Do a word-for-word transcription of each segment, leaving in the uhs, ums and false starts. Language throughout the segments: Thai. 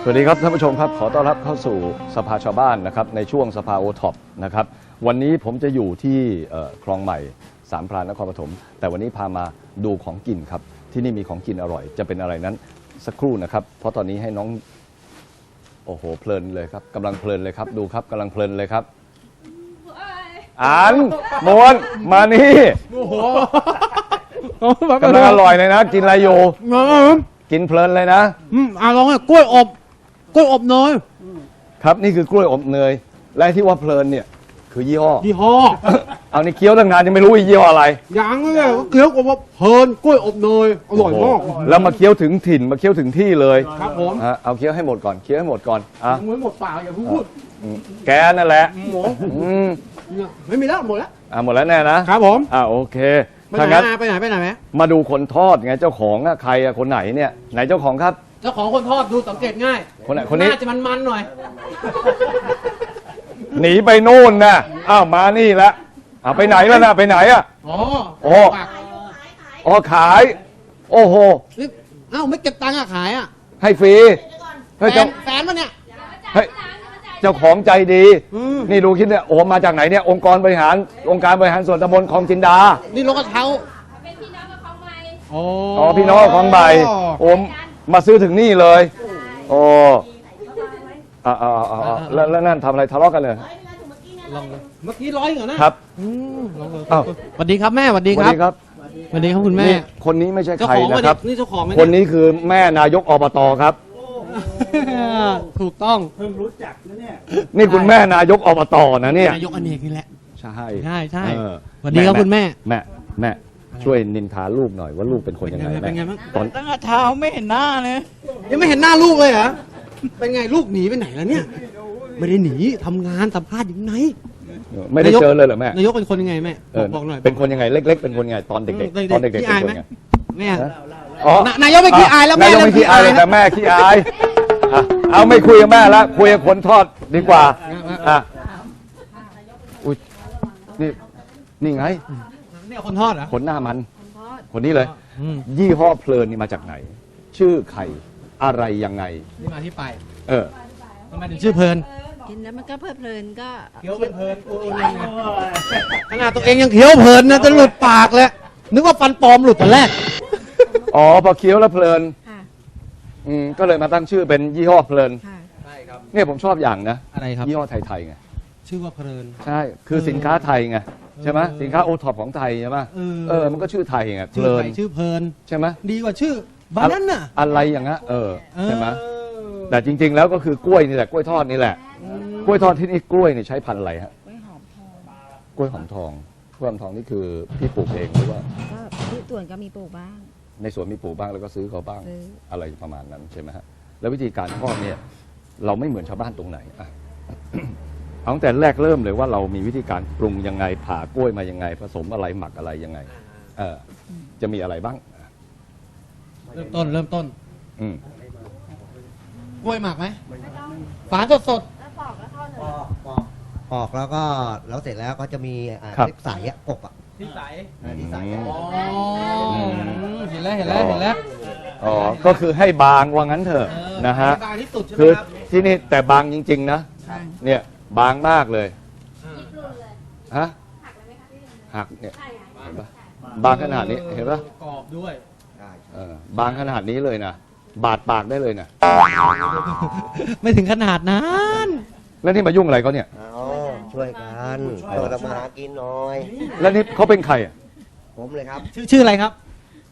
สวัสดีครับท่านผู้ชมครับขอต้อนรับเข้าสู่สภาชาวบ้านนะครับในช่วงสภาโอท็อปนะครับวันนี้ผมจะอยู่ที่คลองใหม่สามพรานนครปฐมแต่วันนี้พามาดูของกินครับที่นี่มีของกินอร่อยจะเป็นอะไรนั้นสักครู่นะครับเพราะตอนนี้ให้น้องโอ้โหเพลินเลยครับกำลังเพลินเลยครับดูครับกำลังเพลินเลยครับอ่านมวนมานี่โอ้โหกำลังอร่อยเลยนะกินอะไรอยู่กินเพลินเลยนะอืมอ่ะลองกล้วยอบกล้วยอบเนยครับนี่คือกล้วยอบเนยและที่ว่าเพลินเนี่ยคือยี่ห้อยี่ห้อเอาในเคี้ยวตั้งนานยังไม่รู้ยี่ห้ออะไรอย่างนี้เลยเคี้ยวกับว่าเพลินกล้วยอบเนยอร่อยมากแล้วมาเคี้ยวถึงถิ่นมาเคี้ยวถึงที่เลยครับผมเอาเคี้ยวให้หมดก่อนเคี้ยวให้หมดก่อนอ่ะไม่หมดปากอย่าพูดแกนั่นแหละหมอไม่มีแล้วหมดแล้วอ่ะหมดแล้วแน่นะครับผมอ่ะโอเคไปไหนไปไหนไปไหนไหมมาดูคนทอดไงเจ้าของอะใครอะคนไหนเนี่ยไหนเจ้าของครับเจ้าของคนทอดดูสังเกตง่ายคนไหนคนนี้น่าจะมันๆหน่อยหนีไปโน่นนะอ้าวมานี่ละอ่ะไปไหนแล้วนะไปไหนอะอ๋อโอ้อ๋อขายโอ้โหอ้าวไม่เก็บตังค์อะขายอะให้ฟรีแฟนแฟนมันเนี่ยเฮ้ยเจ้าของใจดีนี่ดูคิดเนี่ยโอ้มาจากไหนเนี่ยองค์กรบริหารองค์การบริหารส่วนตำบลคลองจินดานี่ลงกระเท้าเป็นพี่น้องกับคลองใบอ๋อพี่น้องคลองใบโอมมาซื้อถึงนี่เลยโอ้อ่าอ่าอ่าแล้วแล้วนั่นทำอะไรทะเลาะกันเลยลองเมื่อกี้ร้อยเหรอนะครับอ้าวสวัสดีครับแม่สวัสดีครับสวัสดีครับคุณแม่คนนี้ไม่ใช่ใครนะครับนี่เจ้าของคนนี้คือแม่นายกอบตครับถูกต้องเพิ่งรู้จักนะเนี่ยนี่คุณแม่นายกอบตนะเนี่ยนายกอเนกนี่แหละใช่ใช่ใช่สวัสดีครับคุณแม่แม่แม่ช่วยนินทาลูกหน่อยว่าลูกเป็นคนยังไงแม่ตอนตั้งแต่เช้าไม่เห็นหน้าเลยยังไม่เห็นหน้าลูกเลยเหรอเป็นไงลูกหนีไปไหนแล้วเนี่ยไม่ได้หนีทำงานสัมภาษณ์อยู่ไหนไม่ได้เจอเลยเหรอแม่นายกเป็นคนยังไงแม่บอกหน่อยเป็นคนยังไงเล็กๆเป็นคนยังไงตอนเด็กๆตอนเด็กๆเป็นคนยังไงแม่อ๋อนายกไม่ขี้อายแล้วแม่นายกไม่ขี้อายแต่แม่ขี้อายเอาไม่คุยกับแม่แล้วคุยกับคนทอดดีกว่าอ่ะอุ้ยนี่นี่ไงนี่คนทอดเหรอคนหน้ามันคนนี้เลยยี่ห้อเพลินนี่มาจากไหนชื่อใครอะไรยังไงนี่มาที่ไปเออทำไมถึงชื่อเพลินกินแล้วมันก็เพลิดเพลินก็เคี้ยวเพลินขนาดตัวเองยังเคี้ยวเพลินนะจะหลุดปากเลยนึกว่าฟันปลอมหลุดตอนแรกอ๋อพอเคี้ยวแล้วเพลินอืมก็เลยมาตั้งชื่อเป็นยี่ห้อเพลินใช่ครับเนี่ยผมชอบอย่างนะอะไรครับยี่ห้อไทยๆไงชื่อว่าเพลินใช่คือสินค้าไทยไงใช่ไหมสินค้าโอท็อปของไทยใช่ไหมเออมันก็ชื่อไทยไงเพลินชื่อเพลินใช่ไหมดีกว่าชื่อบานาน่ะอะไรอย่างเงี้ยเออใช่ไหมแต่จริงๆแล้วก็คือกล้วยนี่แหละกล้วยทอดนี่แหละกล้วยทอดที่นี่กล้วยนี่ใช้พันธุ์อะไรฮะกล้วยหอมทองกล้วยหอมทองนี่คือพี่ปลูกเองหรือว่าก็ที่สวนก็มีปลูกบ้างในสวนมีปลูกบ้างแล้วก็ซื้อเขาบ้างอะไรประมาณนั้นใช่ไหมฮะแล้ววิธีการทอดเนี่ยเราไม่เหมือนชาวบ้านตรงไหนอ่ะ เอาตั้งแต่แรกเริ่มเลยว่าเรามีวิธีการปรุงยังไงผ่ากล้วยมายังไงผสมอะไรหมักอะไรยังไงเออจะมีอะไรบ้างเริ่มต้นเริ่มต้นอืมกล้วยหมักไหมฝานสดสดปอกแล้วทอดเลยปอกปอกแล้วก็แล้วเสร็จแล้วก็จะมีทิพใสอ่ะกบอ่ะทิพใสทิพใสอ๋อเห็นแล้วเห็นแล้วเห็นแล้วอ๋อก็คือให้บางว่างั้นเถอะนะฮะคือที่นี่แต่บางจริงๆนะเนี่ยบางมากเลยฮะหักเนี่ยเห็นปะบางขนาดนี้เห็นปะกรอบด้วยบางขนาดนี้เลยนะบาดปากได้เลยนะไม่ถึงขนาดนั้นแล้วนี่มายุ่งอะไรเขาเนี่ยช่วยกันเราทำมาหากินหน่อยแล้วนี่เขาเป็นใครอ่ะผมเลยครับชื่อชื่ออะไรครับ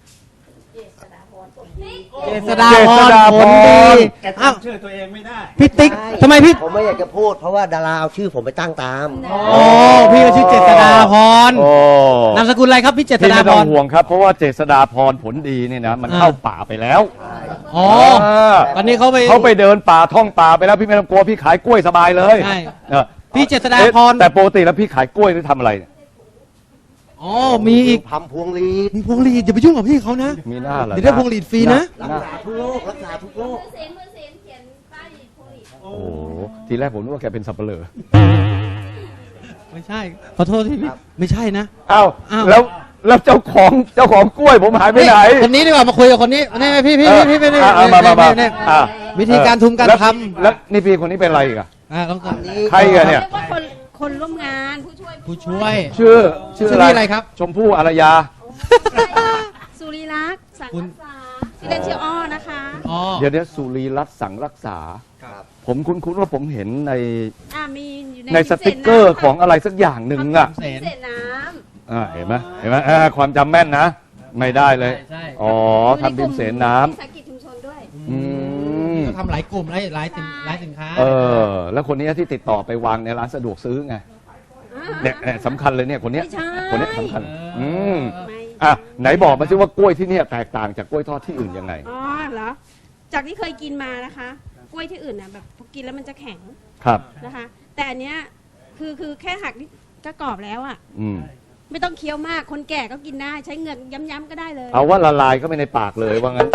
เจษฎาพรผลดีอ้าวชื่อตัวเองไม่ได้พี่ติ๊กทำไมพี่ผมไม่อยากจะพูดเพราะว่าดาราเอาชื่อผมไปตั้งตามโอ้พี่ก็ชื่อเจษฎาพรนามสกุลอะไรครับพี่เจษฎาพรไม่ต้องห่วงครับเพราะว่าเจษฎาพรผลดีเนี่ยนะมันเข้าป่าไปแล้วอ๋อตอนนี้เขาไปเขาไปเดินป่าท่องป่าไปแล้วพี่ไม่ต้องกลัวพี่ขายกล้วยสบายเลยใช่พี่เจษฎาพรแต่ปกติแล้วพี่ขายกล้วยหรือทำอะไรอ๋อมีอีกทำพวงลีดมีพวงลีดอย่าไปยุ่งกับพี่เขานะมีหน้าเหรอเดี๋ยวได้พวงลีดฟรีนะรักษาทุกโรครักษาทุกโรคเซ็นเซ็นเขียนป้ายพวงลีดโอ้โหทีแรกผมนึกว่าแกเป็นสับปะเลอไม่ใช่ขอโทษที่พี่ไม่ใช่นะอ้าวแล้วแล้วเจ้าของเจ้าของกล้วยผมหายไปไหนคนนี้ดีกว่ามาคุยกับคนนี้นี่พี่พี่พี่พี่มามามาวิธีการทุมการแล้วทแล้วนี่พี่คนนี้เป็นอะไรอีกอะำอ่าต้องอันนี้ใครอะเนี่ยเรียกว่าคนคนร่วมงานผู้ช่วยผู้ช่วยชื่อชื่อชื่ออะไรอะไรครับชมพู่อารยาสุริลักษณ์สังคุณรักษาที่เล่นชื่ออ้อนะคะอ๋อเดี๋ยวเดี๋ยวสุรีรัตน์สังรักษาครับผมคุ้นๆว่าผมเห็นในอ่ามีอยู่ในในสติกเกอร์ของอะไรสักอย่างหนึ่งอะเสนเศษน้อ่าเห็นไหมเห็นไหมอ่าความจำแม่นนะ ไม่ได้เลยใช่อ๋อำทำพิมพ์เสนน้ำวิสาหกิจชุมชนด้วยอืมก็ทำหลายกลุ่มหลายหลายสินหลายสินค้าเออ แล้วคนนี้ที่ติดต่อไปวางในร้านสะดวกซื้อไงเนี่ยเนี่ยสำคัญเลยเนี่ยคนเนี้ยไม่ใช่คนเนี้ยสำคัญ อืมไม่อ่ะไหนบอกมาสิว่ากล้วยที่เนี่ยแตกต่างจากกล้วยทอดที่อื่นยังไงอ๋อเหรอ จากที่เคยกินมานะคะ กล้วยที่อื่นน่ะแบบพอกินแล้วมันจะแข็งครับนะคะ แต่อันเนี้ยคือคือแค่หักนี่ก็กรอบแล้วอ่ะอืมไม่ต้องเคี้ยวมาก คนแก่ก็กินได้ ใช้เงินย้ำๆก็ได้เลยเอาว่าละลายเข้าไปในปากเลยว่างั้น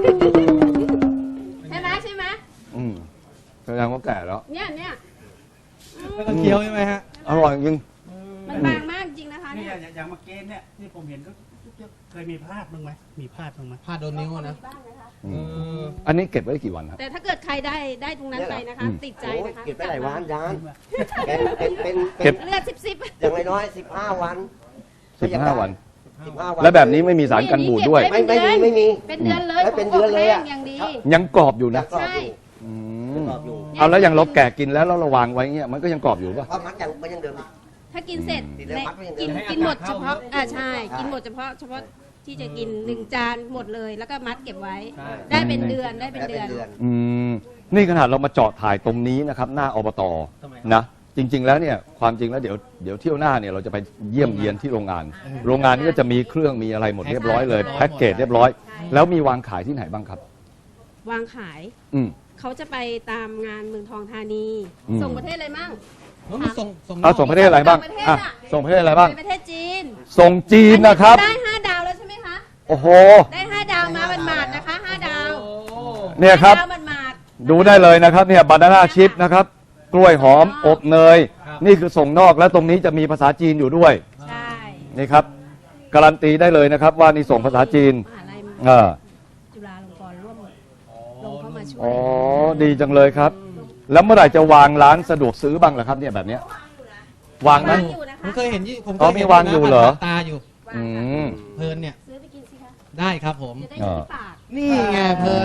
ใช่ไหมใช่ไหมอืมแสดงว่าแก่แล้วเนี่ยเนี่ยไม่ต้องเคี้ยวใช่ไหมฮะอร่อยจริงมันบางมากจริงนะคะนี่เนี่ยอย่างอย่างเมื่อกี้เนี่ยที่ผมเห็นก็เคยมีพลาดบ้างไหมมีพลาดบ้างไหมพลาดโดนนิ้วอะนะบ้างนะคะอืเอมออันนี้เก็บไว้กี่วันครับแต่ถ้าเกิดใครได้ได้ตรงนั้นไปนะคะอืมติดใจโอ้ยนะคะเก็บไปหลายวันยานเป็นเป็นเป็นเก็เป็นบเลือดสิบสิบอย่างน้อยๆสิบห้าวันสิบห้าวันสิบห้าวันและแบบนี้ไม่มีสารกันบูดด้วยไม่ไม่มีไม่มีเป็นเดือนเลยไม่เป็นเดือนเลยอะขงบแห้งอย่างดียังกรอบอยู่ยันะงกรอบใช่อยู่อืมยังกรอบอยู่เอาแล้วอย่างเราแก่กินแล้วแล้วเราวางไว้เงี้ยมันก็ยังกรอบอยู่ป่ะเพราะมันยังมันยังเดิมถ้ากินเสร็จอืมในกินกินหมดเฉพาะอ่าใช่ กินหมดเฉพาะเฉพาะที่จะกินหนึ่งจานหมดเลย แล้วก็มัดเก็บไว้ ได้เป็นเดือนได้เป็นได้เดืเป็อน นเดือนอืมนี่ขนาดเรามาเจาะถ่ายตรงนี้นะครับ หน้าอบตนะจริง ๆ แล้วเนี่ยความจริงแล้วเดี๋ยวเดี๋ยวเที่ยวหน้าเนี่ยเราจะไปเยี่ยมเยียนที่โรงงาน โรงงานนี้ก็จะมีเครื่องมีอะไรหมดเรียบร้อยเลยแพ็กเกจเรียบร้อย แล้วมีวางขายที่ไหนบ้างครับวางขายอืมเขาจะไปตามงานเมืองทองธานีอืมส่งประเทศอะไรมั่งแล้วมีส่งส่งเอาส่งประเทศอะไรบ้างส่งประเทศอ่ะอะส่งประเทศอะไรบ้างไปประเทศจีนส่งจีนนะครับได้ห้าดาวแล้วใช่ไหมคะโอ้โหได้ห้าดาวมาบันมาดๆนะคะห้าดาวเนี่ยครับห้าดาวบันมาดดูได้เลยนะครับเนี่ยบานาน่าชิพนะครับ กล้วยหอมอบเนย นี่คือส่งนอกแล้วตรงนี้จะมีภาษาจีนอยู่ด้วยๆใช่นี่ครับการันตีได้เลยนะครับว่านี่ส่งภาษาจีนมหาลัยเออจุฬาลงกรณ์ร่วมลงเข้ามาช่วยอ๋อดีจังเลยครับ แล้วเมื่อไหร่จะวางร้านสะดวกซื้อบ้างล่ะครับเนี่ยแบบเนี้ยวางไหมวางอยู่นะผมคะเคยเห็นยี่ผมอ๋อเคยเห็นมีวางอยู่เหรอตาอยู่อืมเพลินเนี่ยซื้อไปกินสิคะได้ครับผมจะได้อยู่ที่ปากนี่ไงเพลิน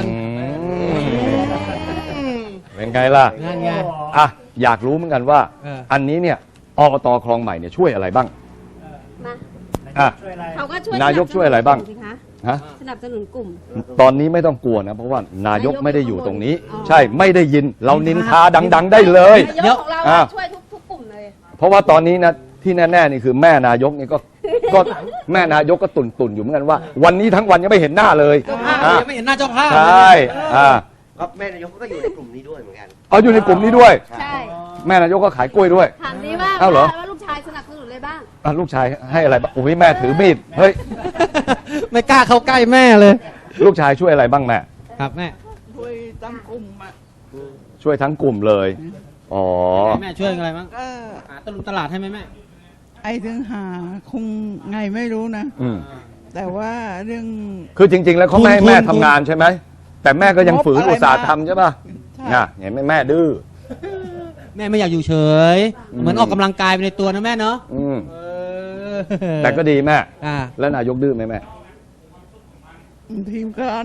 อืมเป็นไงล่ะนั่นไงอ่ะอยากรู้เหมือนกันว่าเอออันนี้เนี่ยอบตคลองใหม่เนี่ยช่วยอะไรบ้างมาอ่ะช่วยอะไรเขาก็ช่วยนายกช่วยอะไรบ้างสิคะฮะสนับสนุนกลุ่มตอนนี้ไม่ต้องกลัวนะ เพราะว่านายกไม่ได้อยู่ตรงนี้อ๋อใช่ไม่ได้ยินเรานินทาดัง ๆ ได้เลยนายกของเราอ่ะช่วยทุกทุกกลุ่มเลยเพราะว่าตอนนี้นะที่แน่ๆนี่คือแม่นายกนี่ก็ก็แม่นายกก็ตุนตุนๆอยู่เหมือนกันว่า วันนี้ทั้งวันยังไม่เห็นหน้าเลยเจ้าภาพอ่ะยังไม่เห็นหน้าเจ้าภาพใช่อ่าก็แม่นายกก็อยู่ในกลุ่มนี้ด้วยเหมือนกันเอาอยู่ในกลุ่มนี้ด้วยใช่แม่นายกก็ขายกล้วยด้วยถามดีว่าเอ้าเหรอว่าลูกชายสนับสนุนอะไรบ้างอ่ะลูกชายให้อะไรบ้างโอ้ยแม่ถือมีดเฮ้ยไม่กล้าเข้าใกล้แม่เลยลูกชายช่วยอะไรบ้างแม่ครับแม่ช่วยตั้งกลุ่มอ่ะช่วยทั้งกลุ่มเลยอ๋อแม่ช่วยอะไรบ้างก็หาตลุมตลาดให้ไหมแม่ไอ้ถึงหาคงไงไม่รู้นะอืมแต่ว่าเรื่องคือจริง ๆ แล้วเขาไม่ให้ทุนแม่ทุนทำงานใช่ไหมแต่แม่ก็ยังฝืนงบอะไรอุตส่าห์มาทำใช่ป่ะใช่น่ะเห็นไหมแม่ดื้อแม่ไม่อยากอยู่เฉยอืมเหมือนออกกำลังกายไปในตัวนะแม่เนาะอืมเออแต่ก็ดีแม่อ่าแล้วนายกดื้อไหมแม่ทีมกัน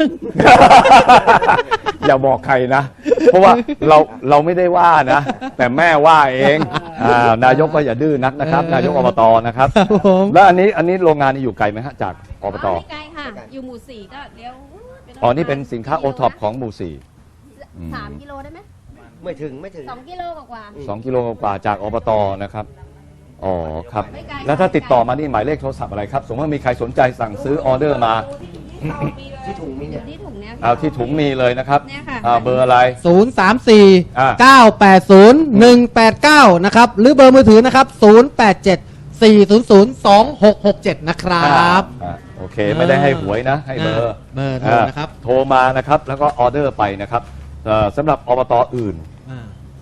อย่าบอกใครนะ เพราะว่าเราเราไม่ได้ว่านะ แต่แม่ว่าเองอ่านายกก็อย่าดื้อนักนะครับ นายกอบตนะครับครับผมแล้วอันนี้อันนี้โรงงานนี่อยู่ไกลไหมฮะจากอบตไม่ไกลค่ะ อยู่หมู่สี่ก็เลี้ยวไปอ๋อนี่เป็นสินค้าโอท็อปของหมู่สี่ อืมสามกิโลได้ไหมไม่ถึงไม่ถึงสองกิโลกว่าสองกิโลกว่าจากอบตนะครับอ๋อครับไม่ไกลแล้วถ้าติดต่อมานี่หมายเลขโทรศัพท์อะไรครับ สมมติว่ามีใครสนใจสั่งซื้อออเดอร์มาที่ถุงมีเนี่ยที่ถุงเนี้ยเอาที่ถุงมีเลยนะครับเนี่ยค่ะอ่าเบอร์อะไรศูนย์สามสี่อ่าเก้าแปดศูนย์หนึ่งแปดเก้านะครับ หรือเบอร์มือถือนะครับศูนย์แปดเจ็ดสี่ศูนย์ศูนย์สองหกหกเจ็ดนะครับอ่าโอเคไม่ได้ให้หวยนะ ให้เบอร์เบอร์โทรนะครับอ่าโทรมานะครับแล้วก็ออเดอร์ไปนะครับเอ่อสำหรับอบตอื่นอ่า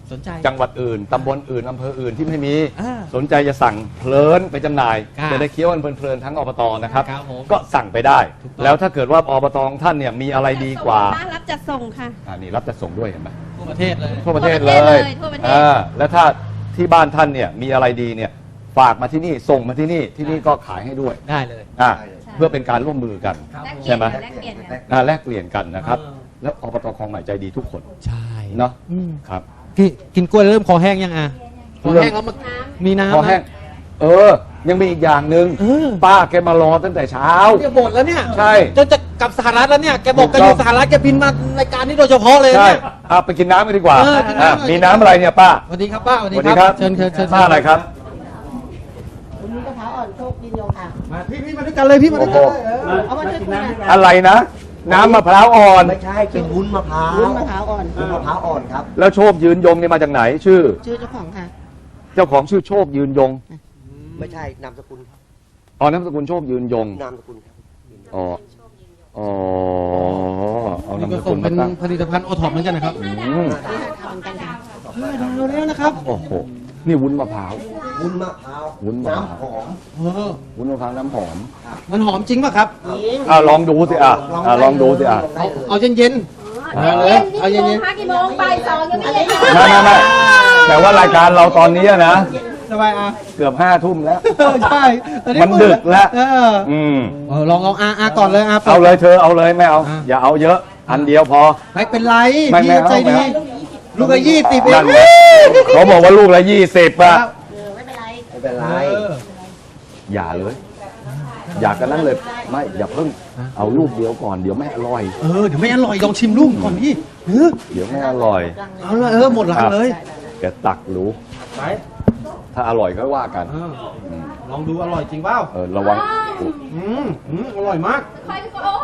สนใจจังหวัดอื่นตำบลอื่นอำเภออื่นที่ไม่มีอ่าสนใจจะสั่งเพลินไปจำหน่ายครับจะได้เคี้ยวกันเพลินๆทั้งอบตนะครับครับผมก็สั่งไปได้ถูกต้องแล้วถ้าเกิดว่าอบตของท่านเนี่ยมีอะไรดีกว่าส่งรับจัดส่งค่ะอ่านี่รับจะส่งด้วยเห็นไหมทั่วประเทศเลยทั่วประเทศทั่เลวประเทศเลย ยทั่วประเทศอ่าแล้วถ้าที่บ้านท่านเนี่ยมีอะไรดีเนี่ยฝากมาที่นี่ส่งมาที่นี่ที่นี่ก็ขายให้ด้วยได้เลยอ่าได้เลยเพื่อเป็นการร่วมมือกันครับแลกผมเปลี่ยนใช่ไหมแลกเปลี่ยนกันอ่าแลกเปลี่ยนกันนะครับเออแล้วอบตคลองใหม่ใจดีทุกคนใช่เนาะอืมครับพี่กินกล้วยเริ่มคอแห้งยังอ่ะคอแห้งแล้วมาน้มีน้ำพอแห้งนะเออ ยังมีอีกอย่างหนึ่งเออป้าแกมารอตั้งแต่เช้าเนี่ยบ่นแล้วเนี่ยใช่จะจะกลับสหรัฐแล้วเนี่ยแกบอกแกถูอกต้องยู่สหรัฐแกบินมารายการนี้โดยเฉพาะเลยใช่เนี่ยเอาไปกินน้ำกันดีกว่าเออกินน้ำอ่ะหน่อยมีน้ำอะไรเนี่ยป้าสวัสดีครับป้าสวัสสวัสดีดีคครัรับบ เชิญเชิญเชิญป้าอะไรครับคุณมะพร้าวอ่อนโชคดินโยค่ะมาพี่พี่มาด้วยกันเลยพี่มาด้วยกันเลยเออเอามาช่วยคุยนะอะไรนะ น้ำมะพร้าวอ่อนไม่ใช่เป็นวุ้นมะพร้าววุ้นมะพร้าวอ่อนวุ้นมะพร้าวอ่อนครับแล้วโชคยืนยงนี่มาจากไหน ชื่อชื่อเจ้าของค่ะเจ้าของชื่อโชคยืนยงไม่ใช่นามสกุลครับอ๋อนามสกุลโชคยืนยงนามสกุลครับอ๋ออ๋อเอานามนี่สก็กุส่ลงมาเป็นตั้งผลิตภัณฑ์โอท็อปเหมือนกันนะครับอืมนี่ค่ะทำเหมือนกันค่ะเออดาวแล้วนะครับโอ้โหนี่วุ้นมะพร้าววุ้นมะพร้าววุ้นมะพร้าวน้ำหอมเออวุ้นมะพร้าวน้ำหอมมันหอมจริงป่ะครับยิงอ่ะลองดูสิอ่ะอ่ะลองดูสิอ่ะได้เอาเลยเอาเย็นำเอาเลยเอาเย็นๆกี่โมงคะกี่โมงบ่ายสองยังไม่เย็นไม่ไม่ไม่แต่ว่ารายการเราตอนนี้นะๆสบายอ่ะเกือบห้าทุ่มแล้วเออใช่ตอมันดึกแล้วเอออืมเออลองลองอาอาก่อนเลยอาปิดเอาเลยเธอเอาเลยไม่เอาอ่ะอย่าเอาเยอะ อันเดียวพอไม่เป็นไรไม่พี่ไม่เอาใจดีไม่เอาลูกละยี่สิบเอนั่งนไงเขาบอกว่าลูกละยี่สิบอะเออไม่เป็นไรไม่เป็นไรเอออย่าเลย อยากกันนั้นเลย ไม่อย่าเพิ่งเอาลูกเดียวก่อนเดี๋ยวไม่อร่อยเออเดี๋ยวไม่อร่อยลองชิมลูกก่อนพี่เออเดี๋ยวไม่อร่อยเอาละเออหมดหลังเลยแกตักรู้ไปถ้าอร่อยก็ว่ากันเออลองดูอร่อยจริงเปล่าเออระวังอืมอืมอร่อยมากใครก็โอ้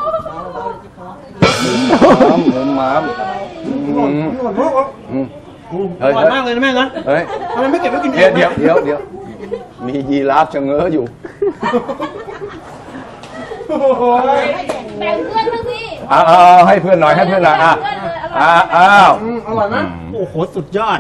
ม้ามหมูม้ามอืมอร่อยมากอ่ะอืมอืมอเฮ้ยร่อยมากเลยนะแม่นะเฮ้ยทำไมไม่เก็บไว้กินเดี๋ยวเดี๋ยวเดี๋ยวเดี๋ยวมียีราฟชะเง้ออยู่โอ้โหแบ่งเพื่อนบ้างสิเอาเอาเอาให้เพื่อนหน่อยให้เพื่อนหน่อยอ่ะอ่ะอ้าวอืมอร่อยมากโอ้โหสุดยอด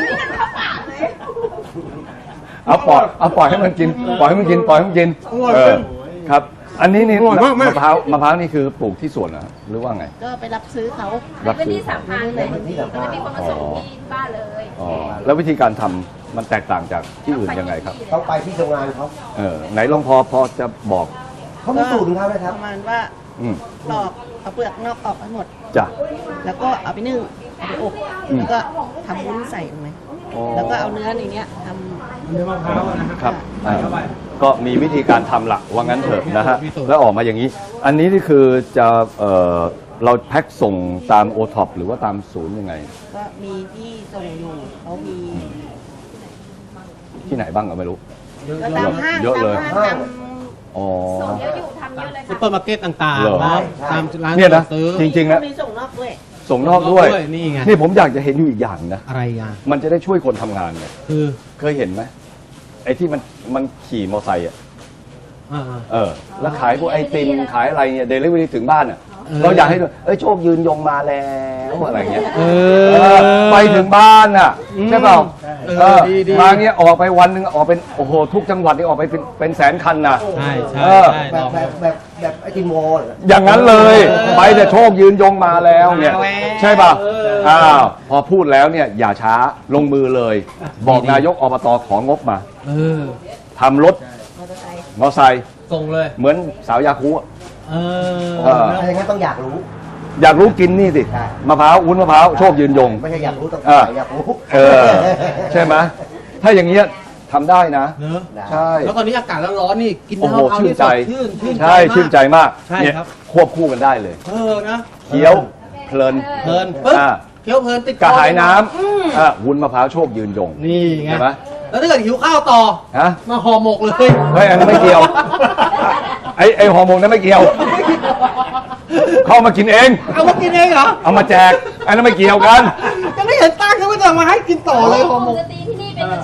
เอาปล่อยเอาปล่อยให้มันกิน ปล่อยให้มันกินปล่อยให้มันกินอร่อยเอจริอง ครับ อันนี้นี่อร่อยมากแม่มะพร้าวมะพร้าวนี่คือปลูกที่สวนเหรอหรือว่าไงก็ไปรับซื้อเขารับเป็นซื้อที่สามพันเลยมันจะมีคนมาส่งที่บ้านเลยอ๋อแล้ววิธีการทำมันแตกต่างจากที่อื่นยังไงครับต้องไปที่โรงงานเขาเออไหนลองพอพอจะบอกเขามีสูตรของเขานะคปรับระมาณว่าอืมปลอกเอาเปลือกนอกออกให้หมดจ้ะแล้วก็เอาไปนึ่งเอาไปอบอืมแล้วก็ทำวุ้นใส่ลงไปอ๋อแล้วก็เอาเนื้อในเนี้ยทเนื้อมะพร้าวนะคครัรับ ใส่เข้าไปก็มีวิธีการทำหลักว่างั้นเถอะนะฮะมีสูตรแล้วออกมาอย่างนี้ อันนี้นี่คือจะเอ่อเราแพ็คส่งตามโอท็อปหรือว่าตามศูนย์ยังไงำก็มีที่ส่งอยู่เขามีที่ไหนบ้างก็ไม่รู้ก็ตามห้างเยอะตามเลยห้างตามอ๋อส่งเยอะอยู่ทำเยอะเลยซุปค่ะเปอร์มาร์เก็ตต่างเหรอๆนะตามร้านเนี่ยนะซื้อจริงๆนะมีส่งนอกด้วยส่งนอกด้วยนี่ไงนี่ผมอยากจะเห็นอยู่อีกอย่างนะอะไรอ่ะมันจะได้ช่วยคนทำงานไงคือเคยเห็นไหมไอ้ที่มันมันขี่มอเตอร์ไซค์อ่ะอ่าเออ แล้วขายพวกไอติมขายอะไรเนี่ยเดลิเวอรี่ถึงบ้านอ่ะเออเราอยากให้ดูเอ้ยโชคยืนยงมาแล้วอะไรเงี้ยเอเออไปถึงบ้านอ่ะอืมใช่เปล่าเออเออดีดีมาเงี้ยออกไปวันหนึ่งออกเป็นโอ้โหทุกจังหวัดนี่ออกไปเป็นเป็นแสนคันนะใช่ใช่เออใช่แบบลองแบบแบบแบบไอติมโมเหรออย่างนั้นเลยเออไปแต่โชคยืนยงมาแล้วเนี่ยมาแล้วใช่ป่ะเอออ้าวพอพูดแล้วเนี่ยอย่าช้าลงมือเลย บอกดีๆนายกอบตของงบมาเออทำรถมอเตอร์ไซค์มอเตอร์ไซค์ส่งเลยเหมือนสาวยาคูอะเออเออถ้าอย่างนั้นต้องอยากรู้อยากรู้กินนี่สิใช่มะพร้าววุ้นมะพร้าวโชคยืนยงไม่ใช่อยากรู้ต้องเอออยากรู้เออ ใช่ไหมถ้าอย่างเงี้ยทำได้นะเนอะใช่แล้วตอนนี้อากาศร้อนๆนี่กินโอ้โหน้ำมะพร้าวชื่นใจสดชื่นชื่นใจใช่มากชื่นใจมากใช่เนี่ยครับควบคู่กันได้เลยเออนะเคี้ยวเพลินเพลินปึ๊บอ่าเคี้ยวเพลินติดคกระอหายน้อืมำอ่ะวุ้นมะพร้าวโชคยืนยงนี่ไงใช่ไหมแล้วถ้าเกิดหิวข้าวต่อฮะมาห่อหมกเลยเฮ้ยอันนั้นไม่เกี่ยว ไอไอฮอร์โมนนั้นไม่เกี่ยว เข้ามากินเองเอามากินเองเหรอเอามาแจก อันนั้นไม่เกี่ยวกันยังไม่เห็นตั้งยังไม่ต้องมาให้กินต่อเลยห่อหมวกงดนตรีที่นี่เป็นอาชีพเสริม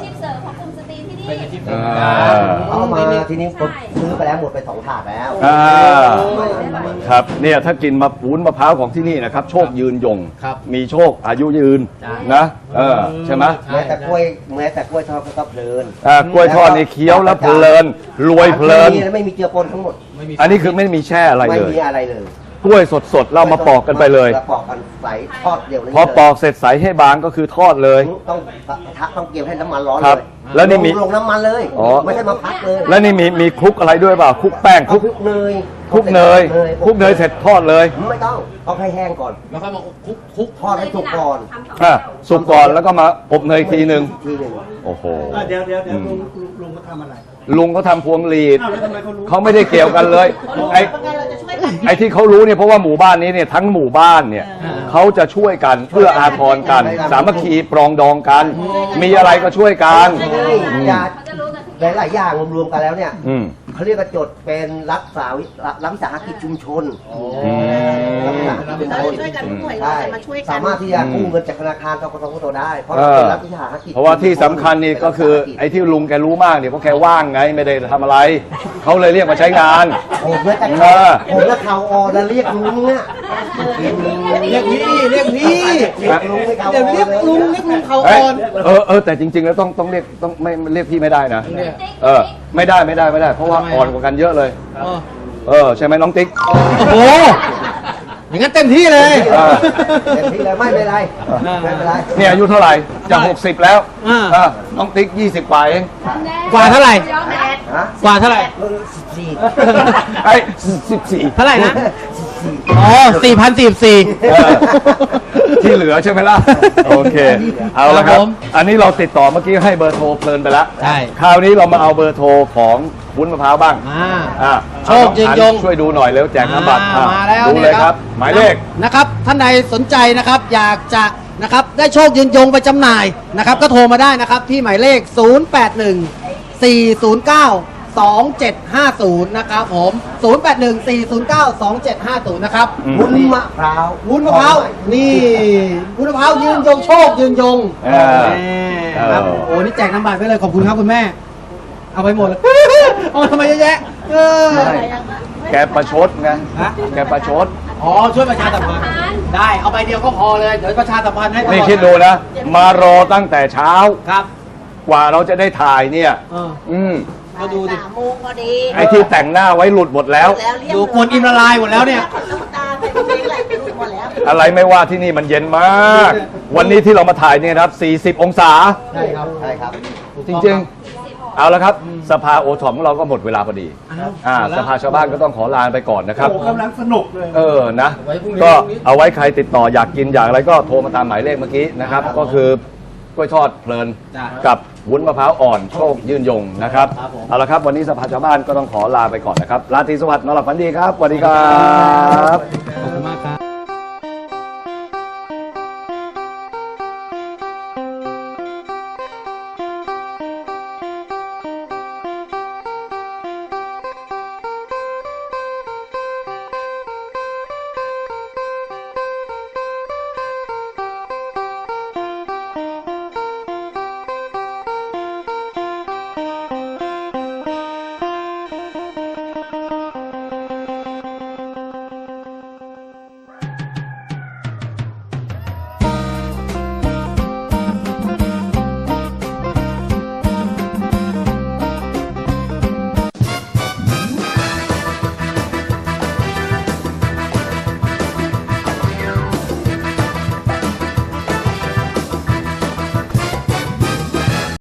เขาคุมสตรีที่นี่อ่าเอามาทีนี้ผมซื้อไปแล้วหมดไปสองถาดแล้วอ่าครับเนี่ยถ้ากินมะวุ้นมะพร้าวของที่นี่นะครับ โชคยืนยงครับมีโชคอายุยืนนะเออใช่ไหมแม้แต่กล้วยแม้แต่กล้วยทอดก็เพลินอ่ากล้วยทอดนี่เคี้ยวแล้วเพลินรวยเพลินไม่มีไม่มีเจือปนทั้งหมดอันนี้คือไม่มีแช่อะไรไม่เลยมีอะไรเลยกล้วยสดๆ เรามาปอกกันไปเลยแล้วปอกกันใส่ทอดเดียวเลยพอปอกเสร็จใสให้บางก็คือทอดเลยต้องทักต้องเกี่ยวให้น้ำมันร้อนคเลรับยแล้วนี่มีลงน้ำมันเลยอ๋อไม่ใช่มาพักเลยแล้วนี่มีมีคลุกอะไรด้วยเปล่าคลุกแป้งคเอาลุกคลุกเนยคลุกเนยคลุกเนยเสร็จทอดเลยไม่ต้องเอาให้แห้งก่อนแล้วค่อยมาคลุกคลุกทอดให้สุกก่อนอ่ะสุกก่อนแล้วก็มาอบเนยอีกทีหนึ่งทีหนึ่งโอ้โหอ่ะเดี๋ยวเดี๋ยวเดี๋ยวลุงลุงลุงเขาทำอะไรลุงเขาทำพวงหลีดอ้าวแล้วทำไมเขารู้เขาไม่ได้เกี่ยวกันเลยไอ้เป็นไงเราจะช่วยกันไอ้ที่เขารู้เนี่ยเพราะว่าหมู่บ้านนี้เนี่ยทั้งหมู่บ้านเนี่ยเขาจะช่วยกันเพื่ออาทรกัน สามัคคีปรองดองกัน มีอะไรก็ช่วยกัน อืมยาหลายๆอย่างรวมๆกันแล้วเนี่ยอืมเขาเรียกว่าจดเป็นรักษาวิรักวิสาหกิจชุมชนอืมรักวิสาหกิจชุมชนช่วยกันทุกหน่วยงาใช่นมาช่วยกันสามารถที่จะกู้เงินจากธนาคารกกตได้ เพราะเอเราอเป็นรัฐวิสาหกิจเพราะว่าที่สำคัญนี่ก็คือไอ้ที่ลุงแกรู้มากเนี่ยเพราะแกว่างไงไม่ได้ทำอะไร เขาเลยเรียกมาใช้งานผมและแต่เออผมและเขาออแล้วเรียกลุงเนี่ยเรียกพี่เรียกพี่เรียกลุงไม่เขาเดี๋ยวเรียกลุงเรียกลุงเขาเอ้ยอ่อนเออเออแต่จริง ๆ แล้วต้องต้องเรียกต้องไม่เรียกพี่ไม่ได้นะเรียกเออไม่ได้ไม่ได้ไม่ได้ เพราะว่าอ่อนกว่ากันเยอะเลยอ๋อเออใช่ไหมน้องติ๊กโอ้โหอย่างนั้นเต็มที่เลยเออเต็มที่เลยไม่เป็นไรไม่เป็นไรเนี่ยอายุเท่าไหร่จะหกสิบแล้วอ่าเออน้องติ๊กยี่สิบกว่าเองกว่าเท่าไหร่ฮะกว่าเท่าไหร่สี่ไอ้สิบสี่เท่าไหร่นะ อ๋อสี่พันสี่สี่ที่เหลือใช่ไหมล่ะ โอเค เอาละคครัรับบ ผมอันนี้เราติดต่อเมื่อกี้ให้เบอร์โทรเพลินไปแล้วใช่คราวนี้เรามาเอาเบอร์โทรของวุ้นมะพร้าวบ้างมาอ่าโชคยืนยงช่วยดูหน่อยเร็วแจกน้ำบัตรอ่าอ่ะมาแล้วดูเลยครับ หมายเลขนะครับ ท่านใดสนใจนะครับ อยากจะนะครับได้โชคยืนยงไปจำหน่ายนะครับ ก็โทรมาได้นะครับ ที่หมายเลข ศูนย์ แปด หนึ่ง สี่ ศูนย์ เก้า สอง เจ็ด ห้า ศูนย์ นะครับผม ศูนย์ แปด หนึ่ง สี่ ศูนย์ เก้า สอง เจ็ด ห้า ศูนย์ นะครับอืมวุ้นมะพร้าววุ้นมะพร้าวนี่วุ้นมะพร้าวยืนยงโชคยืนยงเออแม่ครับเออโอ้นี่แจกน้ำบัตรไปเลยขอบคุณครับคุณแม่ เอาไปหมดเลย เอาทำไมเยอะแยะเออใช่แกประชดไงฮะแกประชดอ๋อช่วยประชาสัมพันธ์ได้เอาใบเดียวก็พอเลยเดี๋ยวประชาสัมพันธ์ให้ตลอนี่คิดดูนะ มารอตั้งแต่เช้าครับกว่าเราจะได้ถ่ายเนี่ยเอออืมก็ดูดิสามโมงพอดีไอ้ที่แต่งหน้าไว้หลุดหมดแล้วแล้วเรียบดูกวนอิมละลายหมดแล้วเนี่ยน้ำตาเป็นเพลงอะไรไปรู้หมดแล้วอะไรไม่ว่าที่นี่มันเย็นมาก วันนี้ที่เรามาถ่ายเนี่ยนะครับ สี่สิบ องศาใช่ครับใช่ครับจริงๆ เอาละครับ สภาโอทอมของเราก็หมดเวลาพอดีอ้าวอ่าหมดแล้วสภาชาวบ้านก็ต้องขอลาไปก่อนนะครับโอ้กำลังสนุกเลยเออ นะไว้พรุ่งนี้ก็เอาไว้ใครติดต่ออยากกินอยากอะไรก็โทรมาตามหมายเลขเมื่อกี้นะครับ ก็คือกล้วยทอดเพลินจ้ะกับวุ้นมะพร้าวอ่อนโชคยืนยงนะครับครับผมเอาละครับ วันนี้สภาชาวบ้านก็ต้องขอลาไปก่อนนะครับ ราตรีสวัสดิ์นอนหลับฝันดีครับ สวัสดีครับ